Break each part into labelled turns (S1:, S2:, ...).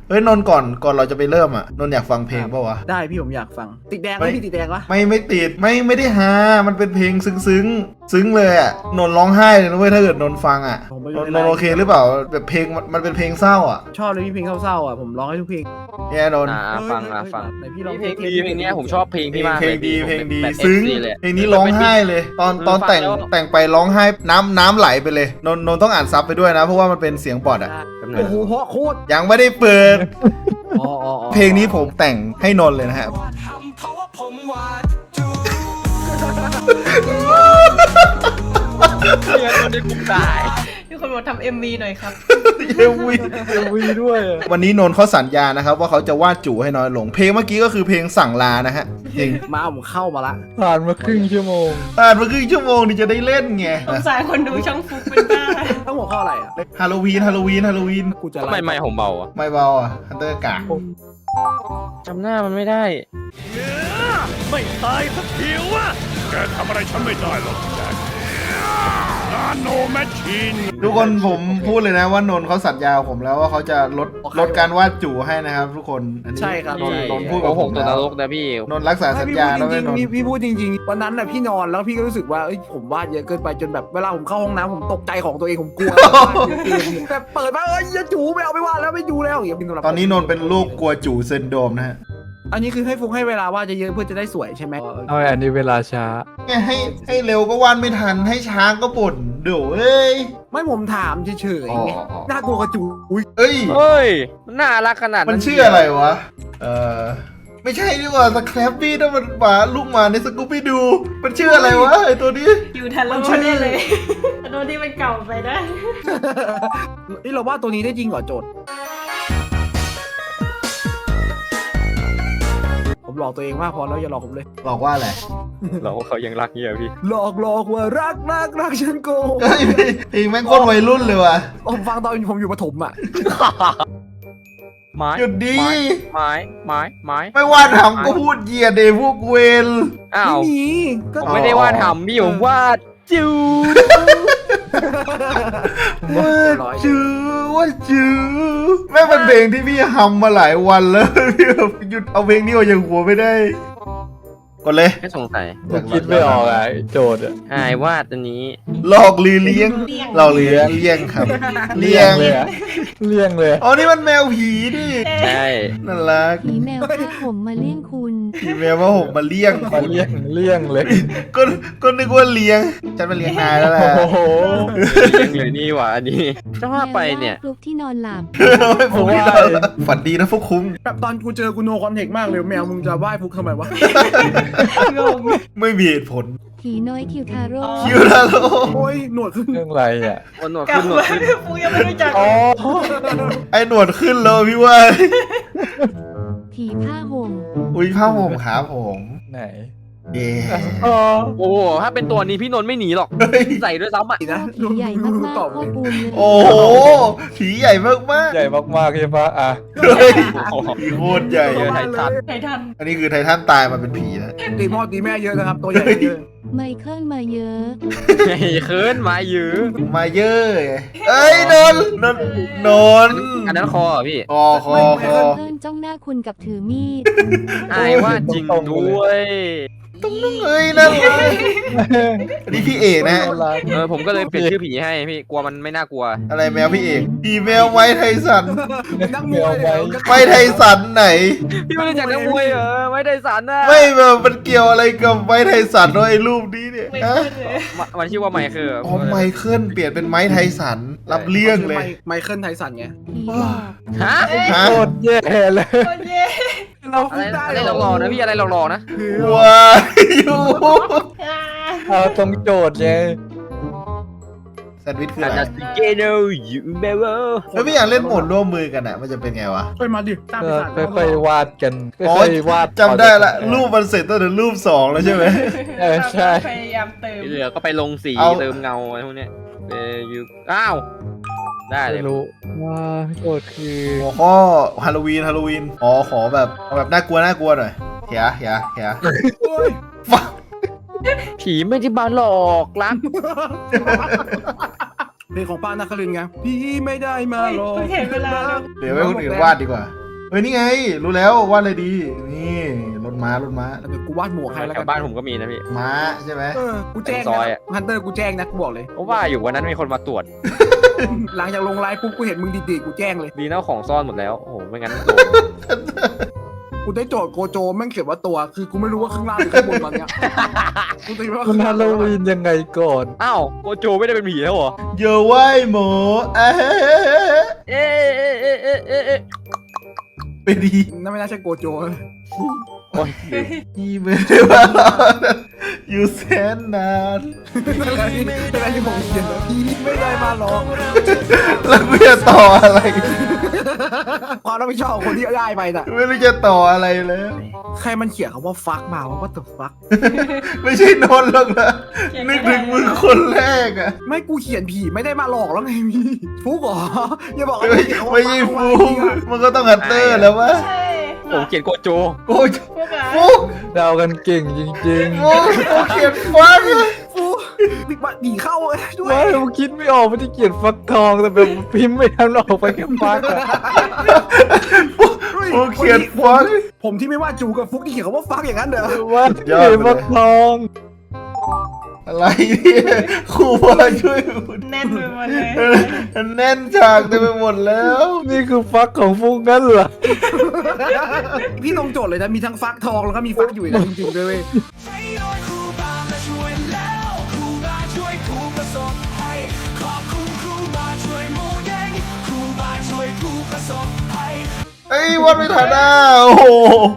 S1: เฮ้ยนนท์ก่อนเราจะไปเริ่มอ่ะนนท์อยากฟังเพลงป่าวะ
S2: ได้พี่ผมอยากฟังติดแดงไหมพี่ติดแดงวะ
S1: ไม่ติดไม่ได้ฮามันเป็นเพลงซึ้งเลยอ่ะนนท์ร้องไห้เลยนะเว้ยถ้าเกิดนนท์ฟังอ่ะนนท์โอเคหรือเปล่าแบบเพลงมันเป็นเพลงเศร้าอ่ะ
S2: ชอบเลยพี่เพลงเศร้าๆอ่ะผมร้องให้ทุกเพลง
S1: เนี่ยนนท์
S3: ฟัง
S2: ไหนพี่ร้อง
S3: เพลงดีเพลงนี้ผมชอบเพลงพี่มาก
S1: เพลงดี
S3: ผม
S1: เพลงดี
S3: แบบ
S1: ซึ้ง
S3: FC เลย
S1: เพลงนี้ร้องไห้เลย ตอนแต่งไปร้องไห้น้ำไหลไปเลยนนท์ต้องอ่านซับไปด้วยนะเพราะว่ามันเป็นเสียงปอดอ่ะ
S2: โอ้โหเพราะโคตร
S1: ยังไม่ได้เปิด
S2: อ๋อ
S1: เพลงนี้ผมแต่งให้นนท์เลยนะฮะ
S3: เรียนคนได้คุ้มตาย
S4: มีคนบอกทำ MV หน่อยครับ
S1: เอวีด้วยวันนี้นนท์เขาสัญญานะครับว่าเขาจะวาดจู่ให้น้อยลงเพลงเมื่อกี้ก็คือเพลงสั่งลานะฮะจริง
S2: มาผมเข้ามาละ
S5: ผ่านมาครึ่งชั่วโมง
S1: ผ่านมาครึ่งชั่วโมงนี่จะได้เล่นไง
S4: สงสารคนดูช่องฟุกเป็นบ้า
S2: ต้องหัวข้ออะไรอ่ะ
S1: ฮาโลวีน
S2: กูจะ
S3: ทำไมไม่ผมเบาอ่ะ
S1: ไม่เบาอ่ะฮันเตอร์กาก
S3: จำหน้ามันไม่ได้
S6: ไม่ตายสักทีวะแกทำอะไรฉันไม่ได้หรอกแจ็คนาโนแมชชีน
S1: ทุกคนผมพูดเลยนะว่านนท์เขาสัญญากับผมแล้วว่าเขาจะลดการวาดจู่ให้นะครับทุกคนอันนี้
S2: ใช่ครับ
S1: นนท์พูดกับผม
S3: ตัว
S1: แล้
S3: น
S1: ว
S3: รกนะพี่
S1: นนท์รักษาสัญญาแล้วไม่นนท์
S2: พี่พูดจริงๆวันนั้นน่ะพี่นอนแล้วพี่ก็รู้สึกว่าเอ้ยผมวาดเยอะเกินไปจนแบบเวลาผมเข้าห้องน้ำผมตกใจของตัวเองผมกลัวแบบเปิดมาเอ้ยอย่าจูไม่เอาไม่วาดแล้วไม่ดูแล้วอย่างเงี้ย
S1: ตอนนี้นนท์เป็นโรคกลัวจู่ซินโดรมนะฮะ
S2: อันนี้คือให้ฟุกให้เวลาวาดเยอะๆเพื่อจะได้สวยใช่ไหม
S5: เอาอันนี้เวลาช้า
S1: ให้เร็วก็วาดไม่ทันให้ช้าก็บ่นเดี๋ยวเอ้ย
S2: ไม่ผมถามเฉยๆไง
S1: อ๋อ
S2: น่ากลัวกระจูอุ้ย
S1: เอ้ย
S3: เฮ้ยมันน่ารักขนาดนั้น
S1: มันชื่ออะไรวะไม่ใช่ดีกว่าสแครปปี้นั่นมันหมาลูกหมาในสกูปปี้ดูมันชื่ออะไรวะไอตัวนี้
S4: อยู่ทันแล้วแน่เลยโดนที่มันเก่าไปได้
S2: นี่เราวาดตัวนี้ได้จริงเหรอโจทย์ผมหลอกตัวเองมากพอแล้วอย่าหลอกผมเลย
S1: บอกว่าอะไร
S3: เราเขายังรักเนี่ยพี่
S2: หลอกว่ารักฉันโกง
S1: เฮ้ยเพลงแม่งโคตรวัยรุ่นเลยว่ะ
S2: ผมฟังตอนผมอยู่ประถมอ่ะ
S3: ไม้
S1: หยุดดี
S3: ไม้
S1: ไม่วาดทำก็พูดเหยียดเดพวกเวน
S3: อ้าว
S2: ไม่มีก็
S3: ผมไม่ได้วาดทำพี่ผมวาดจิ๋ว
S1: ว่าจื้อแม่งเป็นเพลงที่พี่ฮัมมาหลายวันแล้ว พี่แบบหยุดเอาเพลงนี้ออกจากหัวไม่ได้กดเลย
S3: แค่สงสัย
S5: ผมคิดไม่ออกอ่ะโจทย์อ่ะ
S3: อายวาดอันนี้
S1: หลอกลีเลี้ยงหลอกเลี้ยงครับเลี้ยง
S5: เลยอะเลี่ยงเลย
S1: อ๋อนี่มันแมวผีดิ
S3: ใช่
S1: น่ารัก
S7: ผีแมวพัดผมมาเลี้ยงคุณ
S1: ผีแมวว่าผมมาเลี้ยง
S5: มาเลี่ยงเลย
S1: ก็นึกว่าเลี้ยงฉันมาเลี้ยงนายแล้วแหละ
S5: โอ้โห
S3: ยังเลยนี่หว่าอันนี้จะว่าไปเนี่ย
S7: แมวลากลุกที่นอนหลับ
S1: ผมไม่ได้ฝันดีนะพวกคุ้ม
S2: แบบตอนกูเจอกูโนคอนเทคมากเลยแมวมึงจะไหว้ฟุกทำไมวะ
S1: ไม่มีเหตุผล
S7: ผีน้อยคิวทาโร่
S1: คิวลาโล
S2: โอ้ยหนวดขึ้น
S5: เรื่องอะไรอ่ะ
S3: หนวด
S4: เก่า
S3: ขึ้นหนวด
S4: มาก
S3: ขึ้น
S4: ฟุกยังไม่รู้จัก
S5: อ๋อ
S1: ไอ้หนวดขึ้นแล้วพี่ว่า
S7: ผีผ้าห่ม
S1: อุ้ยผ้าห่มขาผม
S5: ไหน
S1: เย่
S5: อ๋อ
S3: โอ้โหถ้าเป็นตัวนี้พี่นนท์ไม่หนีหรอก
S1: เฮ้ย
S3: ใส่ด้วยซ้ำอ่ะ
S2: นะ
S7: ผีใหญ่มากๆ
S2: ตอบ
S7: พ่อปูนเลย
S1: โอ้โหผีใหญ่มากมาก
S5: ใหญ่มากๆใช่ปะอ่ะ
S1: เฮ้ยผีโคตรใหญ่
S3: เจอไททัน
S4: ไททัน
S1: อันนี้คือไททันตายมาเป็นผีนะ
S2: ตีพ่อตีแม่เยอะนะครับ ตัวใหญ่เยอะ
S7: ไมเคิลมาเยอะ
S3: ไอ้เคิร์นมายื้อ
S1: มาเยอะเอ้ยนนน
S3: อันนั้นคอเหรอพี่
S1: คอ
S7: ไมเคิลจ้องหน้าคุณกับถือมีด
S3: อายวาดจริงด้วย
S1: เอ้ยนั่นเลยอันนี้พี่เอกนะฮะ
S3: ผมก็เลยเปลี่ยนชื่อผีให้พี่กลัวมันไม่น่ากลัว
S1: อะไรแมวพี่เอกผีแมวไม้ไทสัน
S2: นั่งมวยเลย
S1: ไม้ไทสันไหน
S3: พี่ไม่รู้จักนักมวยเหรอไม่ได้สารนะ
S1: ไม่แบบมันเกี่ยวอะไรกับไม้ไทสันวะไอ้รูปนี้เนี่ย
S4: ไม่
S1: ฮะ
S4: ขึ้นเลย
S3: มันชื่อว่าไมเคิล
S1: อ๋อไมเคิลเปลี่ยนเป็นไม้ไทสันรับเรื่องเลย
S2: ไมเคิลไทสันไง
S7: ผีหลอก
S3: ฮะ
S1: ฮะ
S5: โคตรแย่เลย
S4: โอเค
S2: เรา
S3: อะไร
S2: ได้
S3: อะไรหลอกๆนะพี่อะไรหลอกๆนะ
S1: ว้ายอยู่
S4: อ่า
S5: เอาตรงโจทย์ไง
S1: แซนด์วิชคือ
S3: อา
S1: อะ
S3: จ
S1: ไร
S3: จะสเกโนยูเบเวอร์
S1: แล้วพี่อยากเล่นโหมดร่วมมือกันอ่ะมันจะเป็นไงวะ
S2: ไปมาดิตามไป
S5: ก็
S2: สั่ง
S5: ค่อยๆวาดกัน
S1: อ๋อ
S5: ค่อยๆวาด
S1: จำได้ละรูปมันเสร็จตั้งแต่รูป2แล้วใช่ไหม
S5: ใช่
S4: พยายามเติม
S3: ที่เหลือก็ไปลงสี
S1: เอา
S3: เติมเงาอะไรพวกเนี้ยยูอ้าวได้เลย
S5: ไม่รู้ว่าโจทย์คือ
S1: หัวข้อฮาโลวีนอ๋อขอแบบเอาแบบน่ากลัวหน่อยเฮียฟัง
S3: ผีไม่ได้มาหลอกรัก
S2: เพลงของป้านาคารินไงพี่ไม่ได้มาหรอก
S4: เห็นเวลาแล้ว
S1: เดี๋ยวให้คนอื่นวาดดีกว่าเฮ้ยนี่ไงรู้แล้ววาดอะไรดีนี่รถม้ารถม้า
S2: เดี๋ยวกูวาดหมวกให้แล้ว
S3: แถ
S2: กั
S3: วบ้านผมก็มีนะพี่
S1: ม้าใช่ไหม
S2: กูแจ้ง
S3: ซอยอะ
S2: ฮันเตอร์กูแจ้งนะกูบอกเลย
S3: เพราะว่าอยู่วันนั้นมีคนมาตรวจ
S2: หลังจากลงไลฟ์ปุ๊บกูเห็นมึงดีๆกูแจ้งเลย
S3: ดีนะของซ่อนหมดแล้ว โอ้โห ไม่งั้นโดน
S2: กูได้โจทย์โกโจแม่งเขียนว่าตัวคือกูไม่รู้ว่าข้างล่างหรือข้างบนมันเนี้ยกูตีว่า
S5: มันฮาโลวีนยังไงก่อน
S3: อ้าวโกโจไม่ได้เป็นผีแล้วเหรอ
S1: เยอะไว้หมอเอ๊ะ
S3: เอ๊ะเอ๊ะเอ๊ะเอ๊ะเอ๊ะเอ๊ะ
S1: ไปดี
S2: นั่นไม่น่าใช่โกโจเลย
S3: โอ้ย
S1: พี่ไม่ได้มาหรอกอยู่แสนนาน
S2: อะไรที่ผมเขียนนะพี่ไม่ได้มาหรอก
S1: แล้วกูจะต่ออะไร
S2: ความรับผิดชอบของคนที่ได้ไปน่ะ
S1: ไม่รู้จะต่ออะไรแล้ว
S2: ใครมันเขียนคำว่าฟักมาว่าตัวฟัก
S1: ไม่ใช่นนท์หรอกนะนึกถึงมึงคนแรกอะ
S2: ไม่กูเขียนผีไม่ได้มาหลอกแล้วไงพี่ฟุกเหรออย่าบอก
S1: ไม่ไม่ใช่ฟูมันก็ต้องฮัตเตอร์แล้ววะ
S4: ใช่
S3: ผมเขียนโกโจ
S1: โอ้ย
S4: พวกอะ
S1: ฟูก
S5: เดากันเก่งจริง
S1: ฟูกกูเขียนฟัง
S2: ฟุกบิ๊กบัตผีเข้าด้ว
S5: ๆ
S2: ย
S5: ว่าผมคิดไม่ออกมันจะเขียนฟักทองแต่แบบพิมพ์ไม่ทันออกไปแค่ฟักอะ
S1: ฟูกเขียนฟัง
S2: ผมที่ไม่ว่าจูกับฟุกที่เขียนคำว่าฟักอย่างนั้นเด้อ
S5: ว่าเขียนฟักทอง
S1: อะไรเนี่ยครูมาช่วยพูด
S4: แน่นไปหมดเลย
S1: แน่นฉากเต็มไปหมดแล้ว
S5: นี่คือฟักของฟุกนั่นเหรอ
S2: พี่ตรงโจทย์เลยนะมีทั้งฟักทองแล้วก็มีฟักอยู่อีกนะจริงๆด้วยเว้ย
S1: เอ้ยวัดไม่ทันอ่ะโอ้โห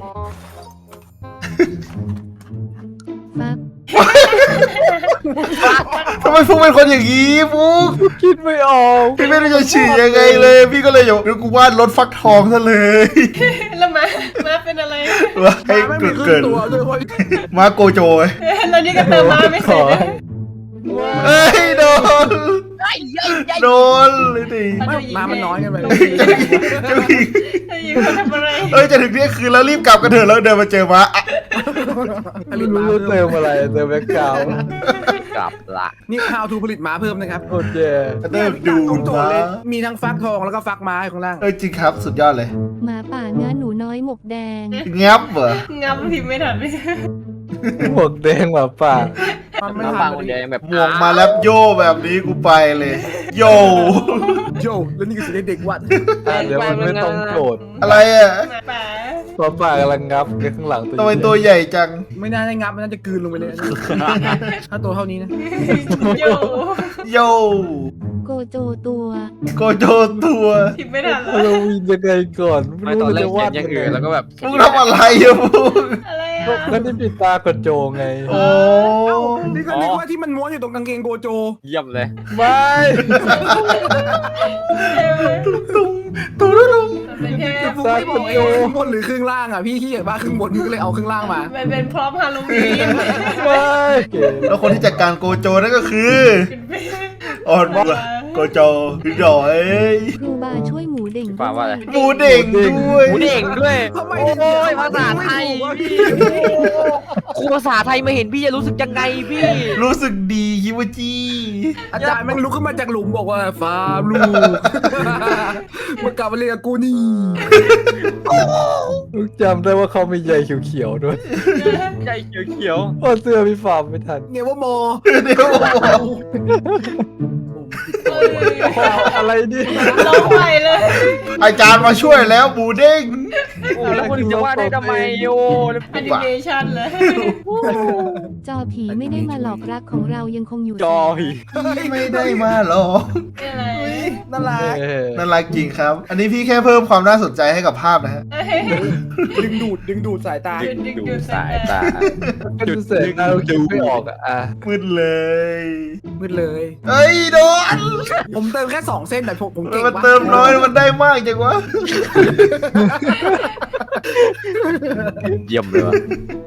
S7: ฟัก
S1: ทำไมฟุกเป็นคนอย่างนี้ฟุก
S5: คิดไม่ออก
S1: พี่ไม่รู้จะฉี่ยังไงเลย พี่ก็เลยเดี๋ยวกูวาดรถฟักทองซะเลย
S4: แล้วมาเป็นอะไร
S1: ว่าให้
S2: ไม่มีครึ่
S1: เกิ
S2: ง
S1: ด
S2: ตัวด้วยเว้ย
S1: มาโกโจย
S4: แล้วนี่ก็เติมมาไม่เสร็จเลย
S1: เอ้ยโดนโดนเลยดิ
S2: ไม่มามันน้อยกันไป
S1: จะมี
S4: จะยิงเขาทำอะไร
S1: เอ้ยจะถึงเที่ยงคืนแล้วรีบกลับกันเถอะแล้วเดินมาเจอมาอ่ะ
S5: ไม่รู้ว่าเติมอะไรเติมแบ็คกราวด์
S3: กลับละ
S2: นี่ how to ผลิตม้าเพิ่มนะครับ
S5: โคตรแย่
S1: เดินดู
S2: ตรงโจท
S1: มา
S2: ย์เลยมีทั้งฟักทองแล้วก็ฟักม้าข้างล่าง
S1: เอ้ยจริงครับสุดยอดเลย
S7: หมาป่าเนื้อหนูน้อยหมกแดง
S1: งับเหรอ
S4: งับพิมพ์ไม่ทันเลย
S5: หมวกแดงหมาป่า
S2: มันไม่
S3: น้ำ
S2: ทั
S3: ฟั
S2: น
S3: งคนเดียวยังแบบ
S1: หมวกมาแล้วโยแบบนี้กูไปเลย โย
S2: โยแล้วนี่คือสิ่งที่เด็กวัด
S5: เดี๋ยวมันไม่ต้องโจทย์
S1: อะไรอ่ะ
S4: หมาป่า
S5: หมาป่ากำลังงับข้างหลัง
S1: ทำไมตัวใหญ่จัง
S2: ไม่น่าได้งับมันน่าจะกลืนลงไปเลยถ้าตัวเท่านี้นะ
S4: โย
S1: โย
S7: โกโจตัว
S1: โกโจตัว
S4: พิมพ์ไม่ทัน
S5: ฮาโลวีนยังไงก่อน
S3: ไม่ตอนแรกเขียนอย่างอื่นแล้วก็แบบ
S1: มึงทำอะไรอ่ะมึง
S4: อะไร
S5: ก็
S4: อ่ะ
S5: นี่ปิดตากระโจงไง
S1: โอ้
S2: นี่ก็นึกว่าที่มันม้วนอยู่ตรงกางเกงโกโจ
S3: เยี่ยมเลย
S5: ไม่
S1: ตุ้งตุ้งตุ้ง
S4: เป็นแค่
S2: ฟุกไม่บอกเองข้างบนหรือครึ่งล่างอ่ะพี่ขี้เกียจบ้าครึ่งบนพี่ก็เลยเอาครึ่งล่างมา
S4: มันเป็นพร้อมฮาโลวีน
S5: ไม่
S1: แล้วคนที่จัดการโกโจนั่นก็คืออ่อนว่าโกโจคือดอย
S7: ครูบาช่วยหมูเด่ง
S3: ป่าว่าอะไร
S1: หมูเด้งด้วย
S3: หมูเด้งด้วย
S2: ทำไม
S3: โอ้ยภาษาไทย ครูภาษาไทยมาเห็นพี่จะรู้สึกยังไงพี่
S1: รู้สึกดีคิวจี
S2: อาจารย์แม่งลุกขึ้นมาจากหลุมบอกว่าฟาร์มลูกมากลับมาเรียนกับกูนี่
S5: ลูกจำได้ว่าเขามีใยเขียวๆด้วย
S3: ใจเขียว
S5: เพราะเสื้อพี่ฟาร์มไม่ทัน
S2: เนี่ยว่ามอ
S1: เดี๋ยวบอก
S5: อะไรดิ
S4: ร้องไปเลย
S1: อาจารย์มาช่วยแล้วหมูเด้ง
S3: ๆโอ้แล้วคนอื่นจะว่าได้ทำไมโยแล้ว
S4: แอนิเมชันเลย
S7: จอผีไม่ได้มาหลอกรักของเรายังคงอยู่
S3: จอย
S1: ไม่ได้มาหรอก
S4: อะไร
S2: น่ารัก
S1: น่ารักจริงครับ อันนี้พี่แค่เพิ่มความน่าสนใจให้กับภาพนะฮะ
S2: ดึงดูดสายตา
S3: ดูสายตา
S5: จุดเสร็จเราคิดไม่ออกอ่ะ
S1: มืดเลย
S2: มืดเลย
S1: เฮ้ยโดน
S2: ผมเติมแค่2 เส้นแต่ผมเก่ง
S1: มัน
S2: วะ
S1: เติมน้อยมันได้มากจังวะ
S3: เยี่ยมเลยวะ